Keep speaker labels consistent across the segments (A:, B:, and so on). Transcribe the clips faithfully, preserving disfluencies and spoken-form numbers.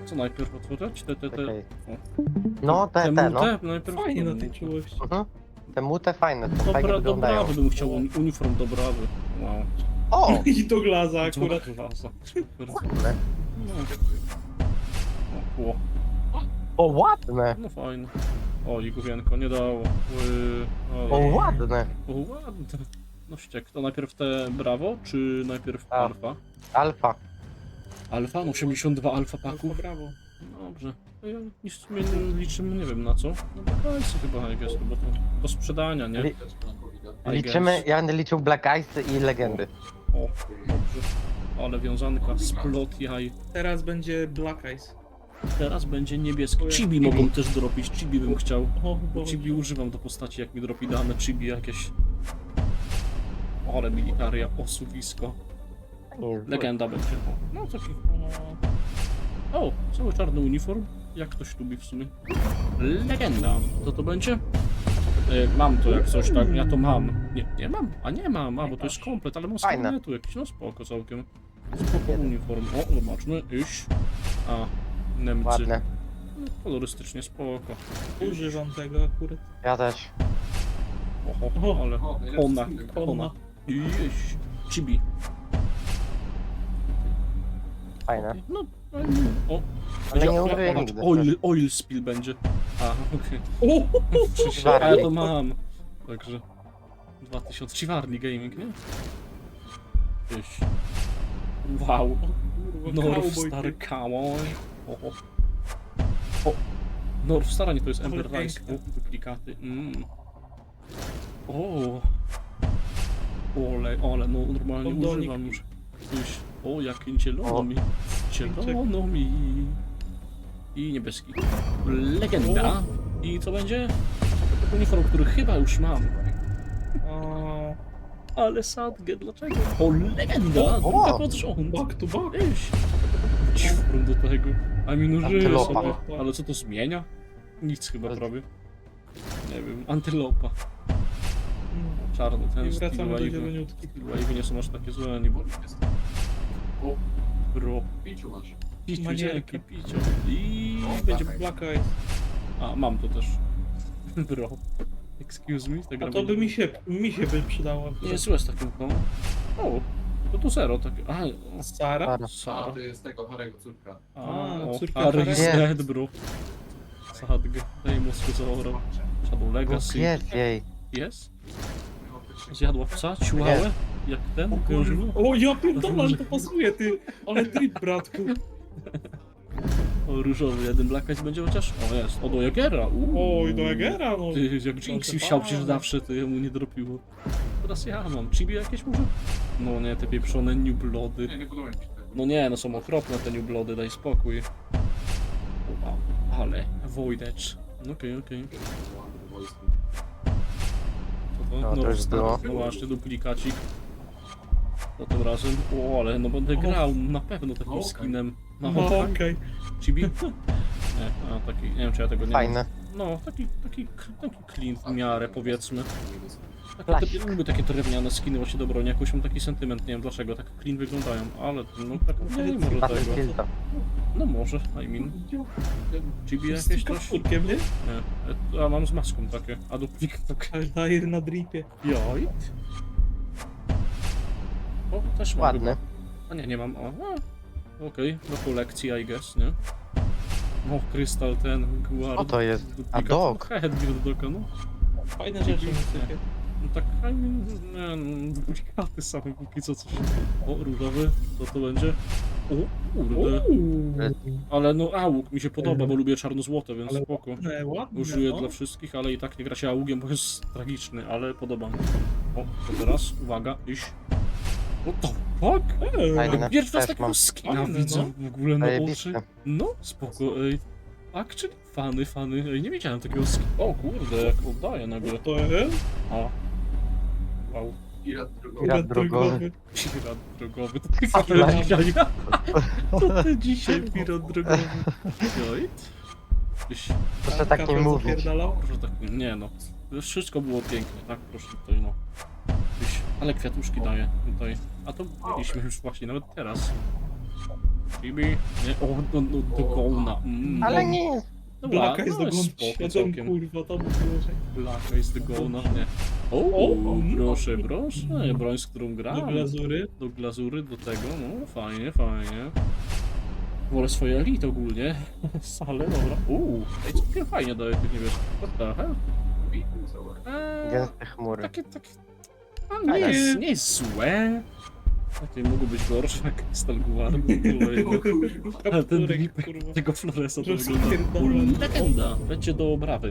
A: Co najpierw otworzyć? Te, te, te...
B: Czekaj.
A: O.
B: No, te,
A: Te
B: te, no.
A: mute? Najpierw
C: Fajnie
A: te
C: na tej
A: mute.
C: czułości.
B: Mhm. Te mute fajne, są fajnie
A: Dobra,
B: wyglądają.
A: dobra, bym chciał uni- uniform do brawy. Wow.
B: O!
C: I do glaza akurat.
A: Klasa. Super.
B: Ładne.
A: No. O, o,
B: O, ładne!
A: no fajne. O, i główienko nie dało. Ły,
B: O,
A: o,
B: ładne!
A: o, ładne. No ściek, to najpierw te brawo, czy najpierw
B: A.
A: alfa?
B: Alfa.
A: Alfa? No osiemdziesiąt dwa alfa
C: Alfa,
A: paków.
C: brawo.
A: Dobrze. No ja nic w sumie nie liczymy, nie wiem na co. No to hajsy chyba, I guess, bo to do sprzedania, nie?
B: Li-
A: I
B: Liczymy,
A: guess.
B: ja będę liczył Black Eyes i legendy.
A: O, dobrze. Ale wiązanka, splot jaj.
C: Teraz będzie Black Eyes.
A: Teraz będzie niebieski.
C: O,
A: Chibi
B: Chibi.
A: mogą też dropić, chibi bym chciał.
C: O,
A: Bo
C: Boże.
A: chibi używam do postaci, jak mi dropi dane chibi jakieś. Ale militaria, osuwisko.
B: Nie jest zły.
A: Legenda będzie. O, no taki. O, cały czarny uniform. Jak ktoś lubi w sumie. Legenda. Co to będzie? E, mam to jak coś tak, ja to mam. Nie, nie mam, a nie mam, a bo to jest komplet, ale mam z
B: Fajne.
A: karnetu jakiś, no spoko całkiem. Spoko uniform. O, zobaczmy, iść. A, Niemcy.
B: Ładne.
A: No, kolorystycznie spoko.
C: Używam tego akurat.
B: Ja też.
A: Oho,
C: O,
A: ale ona, ona. Iść. Chibi.
B: Fajne.
A: No, no, o.
B: Ale
A: Będzie-
B: nie
A: o,
B: umrę
A: patrz,
B: nigdy.
A: Oil, oil spill będzie. A, okej.
C: O,
A: Okay. A ja to mam. Także. dwa tysiące. Chivarli Gaming, nie? Gdzieś. Wow.
C: kurwa,
A: North
C: cowboy,
A: Star
C: ty.
A: Cowboy. O, o. o. North Star, nie to jest Ember
C: Ale
A: Rise. O,
C: piękne.
A: duplikaty. Mm. O. Ole, ale no normalnie
C: Kondonik.
A: używam już. Gdzieś. O, jak zielono
B: O.
A: mi. Zielono mi. I niebieski. Legenda. I co będzie? Uniform, który chyba już mam.
C: O,
A: Ale sadgę, dlaczego? O, legenda!
B: O, o.
A: Druga pod rząd.
C: back to back.
A: Iść. Ciufrum do tego. A minużyję
B: Antylopa.
A: sobie. Ale co to zmienia? Nic chyba prawie. Nie wiem, antylopa. Czarny ten
C: I
A: Steel
C: wracamy do
A: Wave.
C: zieloniutki.
A: Steel Wave nie są aż takie złe, ani bo... Bro.
D: Pięciu masz.
A: Piciu,
C: Manierka.
A: dzięki, piciu. I
D: O,
A: będzie...
D: tak.
C: Black Eyes.
A: A, mam to też. Bro. Excuse me? Tak
C: A to by mi się, mi się by przydało.
A: Nie jest złe z takim kołem. O, to tu zero takie. A, o,
C: Sara?
B: Sara.
D: A,
A: Sara.
D: to jest tego Harego córka.
A: A,
C: A,
A: o,
C: córka
A: Harry
C: Harry.
A: is
B: Nie.
A: dead, bro. Sadgę. Daj mu zaorał. Shadow Legacy.
B: Jest jej.
A: Jest? Zjadła psa? Ciułałę? Jak ten? Wiążło?
C: O, ja pierdolę, ale to pasuje, ty. Ale trip, bratku.
A: O, różowy. Jeden Black Eyes będzie chociaż? O, jest. O, do Jagera. Uuu.
C: Oj, do Jagera, no.
A: Ty, jak Jinxie wsiał przecież zawsze, to jemu nie dropiło. Teraz ja mam. Chibi jakieś może? No nie, te pieprzone New Bloody.
D: Nie, nie podoba mi się tego.
A: No nie, no są okropne te New Bloody, daj spokój. Wow, ale Void Edge. Okej, okej. To to?
B: No, to
A: North
B: już
A: Star.
B: było.
A: No właśnie, duplikacik. To tym razem. O, ale no będę grał na pewno takim
D: Okej.
A: skinem. No,
C: No,
A: tak?
C: okej.
A: Chibi? Nie, a taki, nie wiem czy ja tego nie
B: Fajne.
A: No, taki, taki, taki clean w miarę powiedzmy. Takie,
B: Klasik.
A: te, lubię takie drewniane skiny właśnie do broni, jakoś mam taki sentyment, nie wiem dlaczego, tak clean wyglądają, ale no tak nie, nie może tego.
B: Battlefielda.
A: No może, I mean. Chibi
C: Z
A: jakieś
C: tym
A: coś?
C: kapurkiem, nie?
A: Nie, a mam z maską takie, a duplik tak.
C: Altair na dripie.
A: Jajt. O, też mam
B: Ładne.
A: chyba. A nie, nie mam, o. a, Okej, do kolekcji I guess, nie? O, krystal ten, guard.
B: Co to jest?
A: duplikat.
B: A dog?
A: Headgear doka, no.
C: Fajne rzeczy mi sypie.
A: No tak, I mean, nie, no, duplikaty same póki co coś. O, różowy, co to będzie? O, kurde.
C: Uuu.
A: Ale no, auk mi się podoba, bo lubię czarno-złote, więc
C: Ale
A: spoko.
C: ładne, ładne,
A: Użyję
C: no.
A: dla wszystkich, ale i tak nie gra się augiem, bo jest tragiczny, ale podoba mi się. O, to teraz, uwaga, iść. What the fuck?
C: Ej,
B: Fajne.
A: Pierwszy raz
B: Też
A: takiego
B: mam.
A: skina
C: Fajne,
A: widzę w ogóle na oczy.
B: Zajebiste.
A: No, spoko, ej. Actually, fany, fany, ej, nie wiedziałem takiego skina. O kurde, jak oddaję nagle.
C: To jest?
A: A. Wow.
D: Pirat drogowy.
B: Pirat drogowy.
A: Pirat drogowy, to ty pirat dzisiaj. To ty dzisiaj pirat drogowy. Joit? Tyś,
B: Proszę tak nie
C: Kapel
B: mówić.
C: zapierdalał?
A: proszę tak, nie no. Już wszystko było piękne, tak? Proszę tutaj no. Tyś, ale kwiatuszki daje tutaj. A to mieliśmy już właśnie, nawet teraz. Chibi. Nie, o, do, do, do Gona. Mm.
B: Ale nie jest.
A: Dobra,
C: Blaka jest
A: no
C: do
A: jest
C: góry.
A: spoko
C: Siedem,
A: całkiem.
C: kurwa, to by było, że...
A: Blaka jest do Gona, nie. O,
C: O,
A: proszę, proszę, broń, z którą gram.
C: Do glazury.
A: Do glazury, do tego, no fajnie, fajnie. Wolę swoje elite ogólnie. Sale, dobra. Uuu, ej, całkiem fajnie daje tych niebieskich. What the hell? Eee,
B: Gęste chmury.
A: takie, takie... A, nie, jest, nie jest złe. Takie mogą być gorsze, jak Stalguard. Ale ten
C: Kapturek,
A: drip
C: kurwa.
A: tego Floresa to
C: Rozpierdolony.
A: wygląda. Legenda. Będzie do obrawy.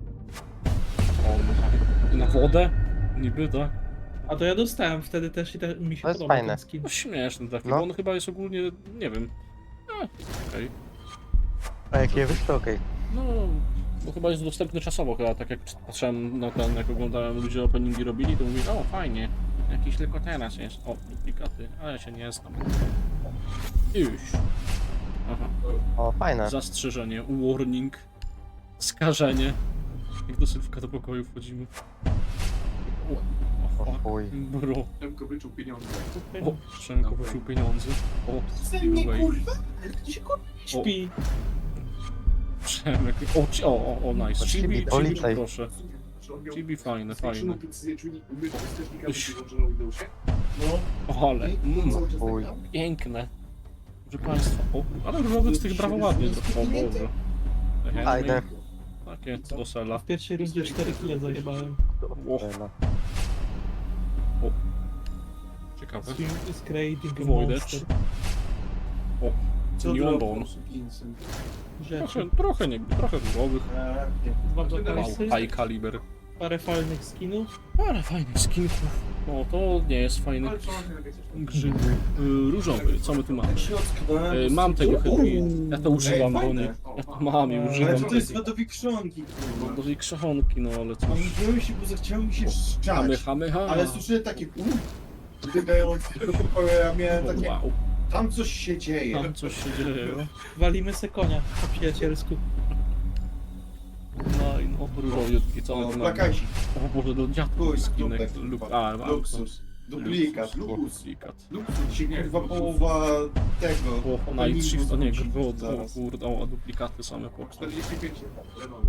A: O, na wodę? Niby, tak?
C: A to ja dostałem wtedy też i te, mi się
B: To jest
C: podoba
B: fajne.
C: ten skin.
A: No śmieszny taki,
B: No.
A: bo on chyba jest ogólnie, nie wiem. A, okej.
B: A jak je wyszło, okej.
A: No, bo chyba jest dostępny czasowo, chyba tak jak patrzyłem na ten, jak oglądałem, ludzie openingi robili, to mówili, o fajnie, jakiś tylko teraz jest, o, duplikaty, ale ja się nie znam. Już. Aha,
B: O, fajne.
A: zastrzeżenie, warning, skażenie. Jak do Sylwka do pokoju wchodzimy. O, o,
B: O
A: fuck,
B: chuj.
A: bro.
D: Temko wyczuł pieniądze.
A: O, Przemko płacił pieniądze. O, giveaway.
C: Gdzie się kurwa nie śpi?
A: Przemek, o, ci- o, o, o, nice.
B: O,
A: Chibi,
B: Chibi,
A: Chibi,
B: policaj.
A: proszę. Chibi fajne, fajne. Uś.
C: No.
A: O, ale, mm,
B: Chuj.
A: piękne. Proszę Państwa, o, ale różowych z tych brawo ładnie, to, o Boże.
B: Fajne.
A: Takie do sela.
C: W pierwszej rundzie cztery kile zajebałem.
A: O,
B: Fajne.
A: ciekawe.
C: Swing is creating a
A: Voidage.
C: monster.
A: Neon Bone.
C: Rzeczy.
A: Trochę, trochę nie, trochę różowych.
C: Dwa
A: Wow,
C: blakarsy,
A: high caliber.
C: parę fajnych skinów.
A: Ale fajnych skinków. No, to nie jest fajny grzyb. Y, Różowy, co my tu mamy? Y, mam tego chyba. Ja to używam, bo nie. Ja to mam i
C: Ale
E: Ale
A: używam.
E: co to jest wadowi krzonki,
A: No,
E: kurwa?
A: do krzechonki, no ale
E: No
A: cóż.
E: wziąłem się, bo zachciało mi się
A: Hamy,
E: szczać.
A: hamy, ha.
E: Ale słyszę takie uuu, biegające do pokoju, ja miałem takie,
A: Wow,
E: tam coś się dzieje.
A: tam coś się dzieje.
C: Walimy se konia po przyjacielsku.
A: No i no, różowiutki, co
E: O,
A: my tu mamy?
E: plakaci,
A: O Boże, do dziadków
E: Chuj,
A: skinek.
E: dupek,
A: Lub,
E: kurwa.
A: a, mam
E: luksus, duplikat,
A: Luksus,
E: luksus,
A: duplikat.
E: luksus, się kurwa połowa tego.
A: O, Night Shift, o nie,
E: Zaraz.
A: grbo, o kurde, o, duplikaty same po
D: czterdzieści pięć lenowy.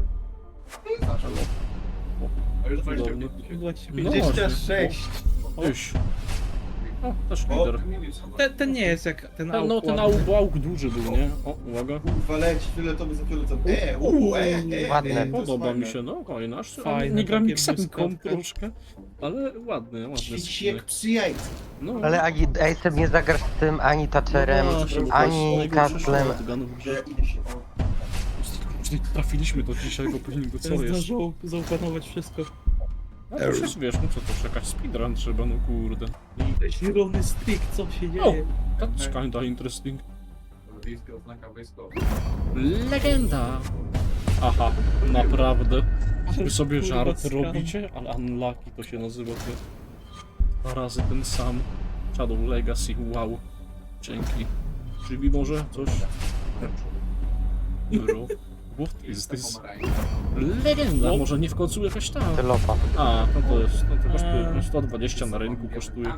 D: A już
A: Cudownie.
C: dwadzieścia
A: No
C: pięć.
E: dwadzieścia sześć.
A: Już. O, też
E: O,
A: lider.
C: Ten, ten nie jest jak ten
A: No, no ten
C: ładny.
A: auk, auk duży był, nie? O, uwaga.
E: Kurwa leci, fioletowy za fioletem. E, uuu, e, e,
B: Ładne.
E: e, to jest
A: Podoba mi
E: fajne.
A: się, no fajne. Aż
C: Fajne,
A: nie gram
C: takie
A: miksenką
C: błyskotki.
A: troszkę, ale ładny, ładny
E: Świeci jak
A: skinek.
E: przy jajcu.
A: No,
B: Ale ani Ace nie zagrasz z tym, ani Thatcherem,
A: no właśnie, bo to
B: ani
A: jest najgorszy
B: Katlem.
A: shotgun w grze.
E: Że idę się, o,
A: Czyli trafiliśmy do dzisiejszego openingu, co
C: Ten
A: jest?
C: zdążył zaopanować wszystko.
A: No to już wiesz, no co to, czekać speedrun trzeba, no kurde.
C: Zielony stick, co się dzieje?
A: That's kinda interesting.
D: Wiejska oznaka wojskowa.
A: Legenda! Aha, naprawdę. Wy sobie
C: Kurwa,
A: żart
C: skam.
A: robicie? Ale unlucky to się nazywa, ty. Dwa razy ten sam. Shadow Legacy, wow. Dzięki. Czyli może coś? Bro. What is this? Legenda! Może nie w końcu jakaś tam.
B: Tylopa.
A: A, no to jest, no to kosztuje sto dwadzieścia na rynku kosztuje.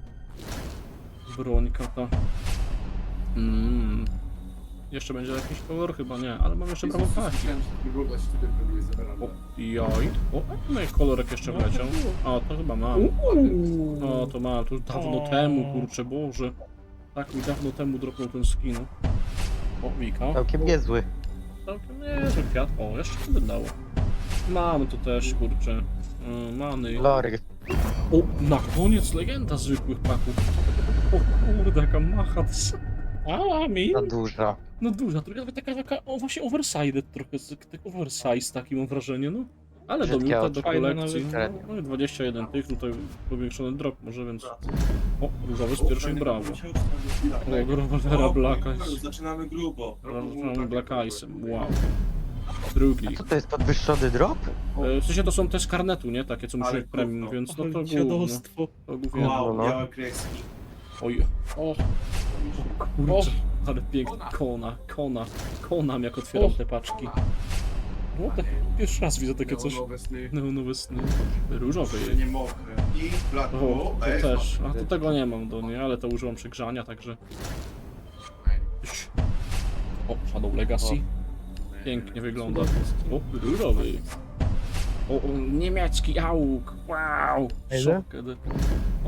A: Brońka ta. Mm. Jeszcze będzie jakiś kolor? Chyba nie, ale mam jeszcze prawo paki.
D: Wyglądać tutaj próbuje zabrać.
A: O, jaj. O, no i kolorek jeszcze wleciał. A, to chyba mam. No, to mam, to już dawno
C: O.
A: temu, kurczę, Boże. Tak mi dawno temu dropnął ten skin. O, Wika.
B: Całkiem niezły.
A: Całkiem niezły kwiat. O, jeszcze się wydało. Mam tu też, kurczę. Yy, many.
B: Lory.
A: O, na koniec legenda zwykłych paków. O kurde, jaka macha.
C: A, mi?
B: Za dużo.
A: No duża, trochę taka, taka, o właśnie oversized trochę, tak oversize taki mam wrażenie, no. Ale do
B: Brzydkie
A: minuta,
B: oczy.
A: do
C: Fajne
A: kolekcji,
B: nawet.
A: no, no i dwadzieścia jeden tych, tutaj powiększony drop może, więc... O, różowy z pierwszej brawo. O, rewolwera Black Eyes.
E: Zaczynamy grubo.
A: Zaczynamy Black Eyesem, wow. Drugi.
B: Co to jest podwyższony drop?
A: E, W sensie to są te z karnetu, nie? Takie, co muszą
E: Ale
A: mieć premium,
E: gówno.
A: więc no to
C: Ale
A: główno.
C: dziadostwo.
A: To głównie.
E: Wow,
B: no.
E: białe kreski.
A: Oj, o, kurczę, ale pięknie. Kona, kona, konam jak otwieram
C: O.
A: te paczki. No tak, pierwszy raz widzę takie coś.
D: Neonowe sny.
A: Neonowe sny. Różowy
E: Że
A: jej.
E: nie mokre. I black.
A: O,
E: O,
A: to
E: e,
A: też. A to tego nie mam do niej, ale to używam przegrzania, także... O, Shadow Legacy. Pięknie wygląda. O, różowy. O, o, niemiecki auk. Wow.
B: Ile?
A: Szok, kiedy... O,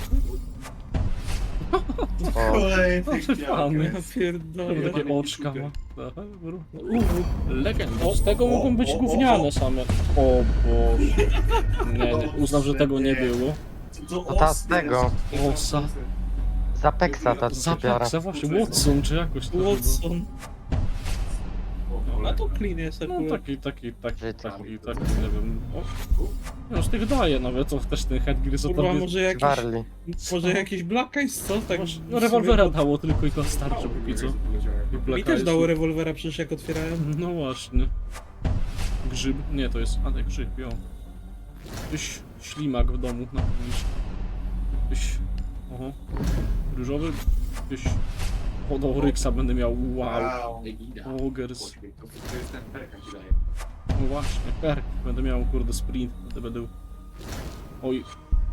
B: O,
E: Kolejny
A: fajny.
C: Ja pierdolę.
A: Takie oczka ma. Aha, legenda. Z tego mogą być gówniane same. O Boże. Nie, nie. Uznam, że tego nie było.
E: To
B: to ta z tego.
A: Osa.
B: z Apexa ta typiara.
A: Zapaksa właśnie. Watson czy jakoś to było.
C: Watson. A to clean jest
A: No
C: akurat.
A: taki, taki, taki,
B: Życie.
A: taki, taki, nie wiem. O. No z tych daje nawet, to też ten headgear co
C: Kurwa,
A: tam jest.
C: może jakiś,
B: Warli.
C: może jakiś Black Eyes, co? Tak,
A: Masz-
C: w
A: No
C: sumie
A: rewolwera
C: to-
A: dało tylko i to starczy póki co. I
C: Mi
A: Black
C: też
A: Eyes.
C: dało rewolwera przecież jak otwierałem.
A: No właśnie. Grzyb? Nie, to jest... A nie, grzyb, jo. Tyś ślimak w domu na pewno. Tyś... Oho. Różowy? Tyś... O, do Ryksa będę miał, wow. Ogers.
D: To, to jest ten perka ci daje.
A: No właśnie, perk. Będę miał, kurde, sprint. Będę będę... Oj.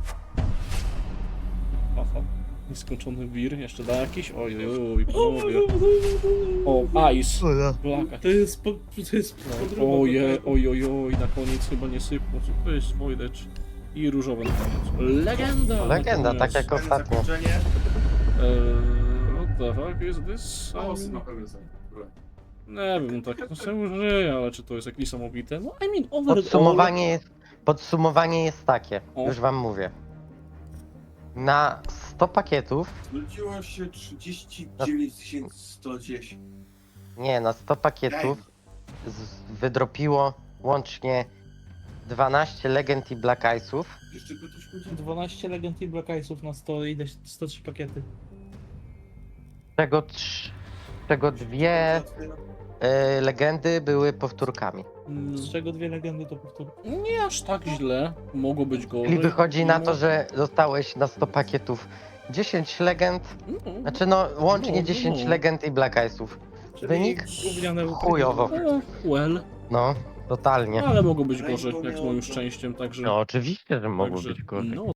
A: Aha. Nieskończony wir. Jeszcze da jakiś? Oj, oj, oj, panowie. O, ice. Blaka.
C: To jest po, to jest podróba.
A: Oje, oj, oj, oj, na koniec chyba nie sypło. Co to jest Voidage? I różowe na koniec. Legenda!
B: Legenda,
A: na
B: tak
A: koniec.
B: jak ostatnio.
E: Zakończenie.
A: Eee, what the fuck is this?
D: O,
A: I
D: na
A: mean,
D: pewno są. Dobra.
A: nie wiem, tak to sobie użyję, ale czy to jest jakieś niesamowite? No, I mean, overall...
B: Podsumowanie jest, podsumowanie jest takie,
A: O.
B: już wam mówię. Na sto pakietów,
E: Zwróciło się trzydzieści dziewięć tysięcy sto dziesięć.
B: nie, na sto pakietów z, wydropiło łącznie dwanaście Legend i Black Eyesów,
E: Jeszcze by coś powiedział?
C: dwanaście Legend i Black Eyesów na sto, ile? sto trzy pakiety.
B: z czego, trz, z czego dwie y, legendy były powtórkami.
A: Mm,
C: Z czego dwie legendy to powtór.
A: Nie aż tak źle, mogło być gorzej.
B: Czyli wychodzi na to,
A: mimo-
B: że dostałeś na sto pakietów dziesięć legend,
A: No,
B: znaczy no łącznie
A: No,
B: dziesięć
A: no.
B: legend i Black Eyesów.
C: Czyli
B: Wynik?
C: gówniane
B: Chujowo.
A: no, well,
B: No, totalnie.
A: ale mogło być gorzej, jak z moim szczęściem, także...
B: No oczywiście, że mogło
A: także,
B: być gorzej.
A: No,